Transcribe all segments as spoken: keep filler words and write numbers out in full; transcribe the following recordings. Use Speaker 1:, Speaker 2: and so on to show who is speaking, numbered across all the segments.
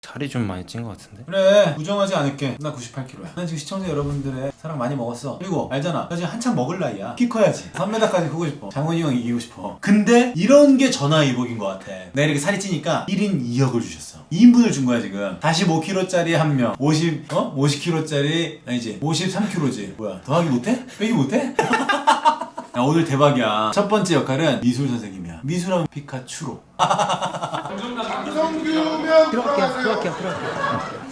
Speaker 1: 살이 좀 많이 찐 것 같은데?
Speaker 2: 그래, 부정하지 않을게. 나 구십팔 킬로그램야. 난 지금 시청자 여러분들의 사랑 많이 먹었어. 그리고 알잖아, 나 지금 한참 먹을 나이야. 키 커야지. 삼 미터까지 크고 싶어. 장훈이 형 이기고 싶어. 근데 이런 게 전화위복인 것 같아. 내가 이렇게 살이 찌니까 일 인 이 억을 주셨어. 이 인분을 준 거야 지금. 사십오 킬로그램짜리 한 명, 오십, 어? 오십 킬로그램짜리 아니지, 오십삼 킬로그램지. 뭐야, 더하기 못해? 빼기 못해? 야, 오늘 대박이야. 첫 번째 역할은 미술 선생님이야. 미술하면 피카츄로.
Speaker 3: 성규면
Speaker 1: 들어갈게요, 들어갈게요, 들어갈게요.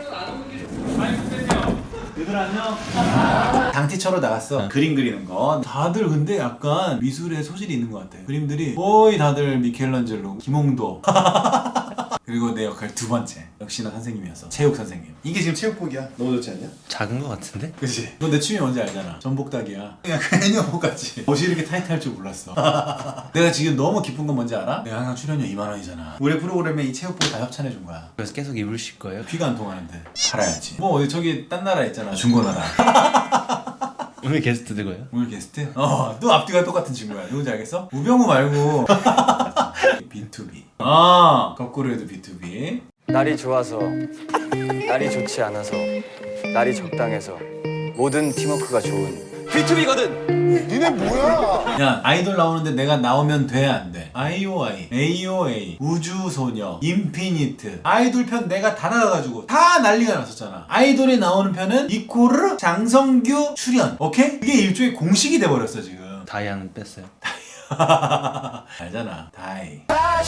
Speaker 2: 얘들 안녕. 당티처로 나갔어. 응. 그림 그리는 거. 다들 근데 약간 미술에 소질이 있는 것 같아. 그림들이 거의 다들 미켈란젤로, 김홍도. 그리고 내 역할 두 번째, 역시나 선생님이었어. 체육 선생님. 이게 지금 체육복이야. 너무 좋지 않냐?
Speaker 1: 작은 것 같은데?
Speaker 2: 그치? 너 내 취미 뭔지 알잖아. 전복닭이야. 그냥 애니어복 같지. 옷이 이렇게 타이트할 줄 몰랐어. 내가 지금 너무 기쁜 건 뭔지 알아? 내가 항상 출연료 이만 원이잖아. 우리 프로그램에 이 체육복 다 협찬해 준 거야.
Speaker 1: 그래서 계속 입으실 거예요?
Speaker 2: 귀가 안 통하는데 팔아야지. 뭐 어디 저기 딴 나라 있잖아, 중고나라.
Speaker 1: 오늘 게스트 누구예요?
Speaker 2: 오늘 게스트? 어, 또 앞뒤가 똑같은 친구야. 누군지 알겠어? 우병우 말고 비투비. 아, 거꾸로 해도 비투비.
Speaker 4: 날이 좋아서, 날이 좋지 않아서, 날이 적당해서 모든 팀워크가 좋은 비투비거든.
Speaker 3: 니네 뭐야?
Speaker 2: 야, 아이돌 나오는데 내가 나오면 돼, 안 돼? 아이오아이, 에이오에이, 우주소녀, 인피니트, 아이돌 편 내가 다 나가가지고 다 난리가 났었잖아. 아이돌이 나오는 편은 이코르 장성규 출연. 오케이? 그게 일종의 공식이 돼버렸어 지금.
Speaker 1: 다이아는 뺐어요.
Speaker 2: 알잖아, 다이.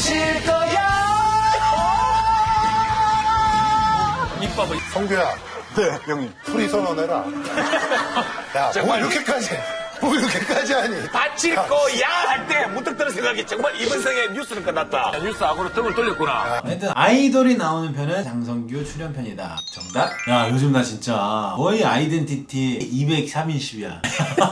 Speaker 3: 성규야. 네, 형님. 풀이 선언해라. 야, 뭐 이렇게까지, 뭐 이렇게까지 하니?
Speaker 5: 다칠 거야 할 때 문득 드는 생각이 정말 이번 생에 뉴스는 끝났다. 뉴스하고는 등을 돌렸구나.
Speaker 2: 하여튼 아이돌이 나오는 편은 장성규 출연편이다. 정답? 야, 요즘 나 진짜 거의 아이덴티티 이백삼십이야.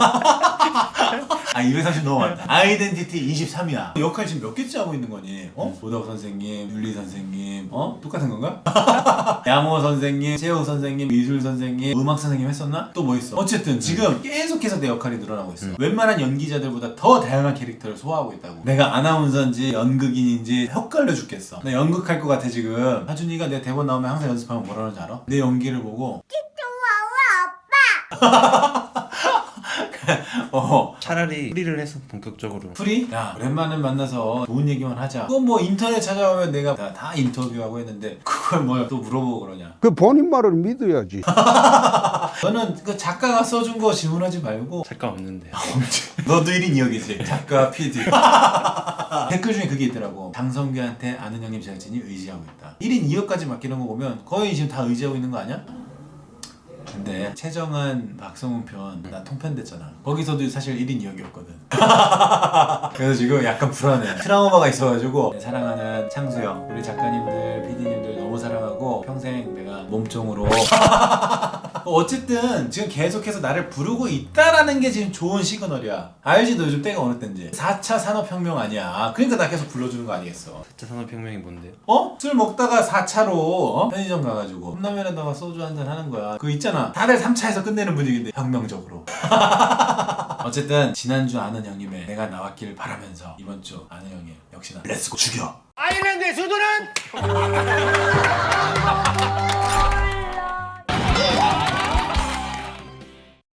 Speaker 2: 아, 이백삼십 너무 많다. 아이덴티티 이십삼이야. 역할 지금 몇 개째 하고 있는 거니? 어? 보덕 선생님, 윤리 선생님, 어? 똑같은 건가? 양호 선생님, 체육 선생님, 미술 선생님, 음악 선생님 했었나? 또 뭐 있어? 어쨌든 지금 계속해서 내 역할이 늘어나고 있어. 웬만한 연기자들보다 더 다양한 캐릭터를 소화하고 있다고. 내가 아나운서인지 연극인인지 헷갈려 죽겠어. 나 연극할 것 같아 지금. 하준이가 내 대본 나오면 항상 연습하면 뭐라 그러는지 알아? 내 연기를 보고 어.
Speaker 1: 차라리 프리를 해서 본격적으로.
Speaker 2: 프리? 야, 오랜만에 만나서 좋은 얘기만 하자. 그건 뭐 인터넷 찾아오면 내가 다, 다 인터뷰하고 했는데 그걸 뭘 또 물어보고 그러냐.
Speaker 6: 그 본인 말을 믿어야지.
Speaker 2: 너는 그 작가가 써준 거 질문하지 말고.
Speaker 1: 작가 없는데.
Speaker 2: 너도 일 인 이 역이지. 작가, 피디. 댓글 중에 그게 있더라고. 장성규한테 아는 형님 제작진이 의지하고 있다. 일 인 이 역까지 맡기는 거 보면 거의 지금 다 의지하고 있는 거 아니야? 근데 최정한 박성훈 편 나 통편 됐잖아. 거기서도 사실 일 인 이 역이었거든. 그래서 지금 약간 불안해. 트라우마가 있어가지고 사랑하는 창수형, 우리 작가님들, 피디님들 너무 사랑하고 평생 내가 몸종으로 어쨌든 지금 계속해서 나를 부르고 있다라는 게 지금 좋은 시그널이야. 알지? 너 요즘 때가 어느 때인지. 사 차 산업혁명 아니야. 그러니까 나 계속 불러주는 거 아니겠어.
Speaker 1: 사 차 산업혁명이 뭔데요?
Speaker 2: 어? 술 먹다가 사 차로 어? 편의점 가가지고 컵라면에다가 소주 한잔 하는 거야. 그거 있잖아. 다들 삼 차에서 끝내는 분위기인데 혁명적으로. 어쨌든 지난주 아는 형님의 내가 나왔길 바라면서 이번 주 아는 형님 역시나 렛츠고 죽여.
Speaker 5: 아일랜드의 수도는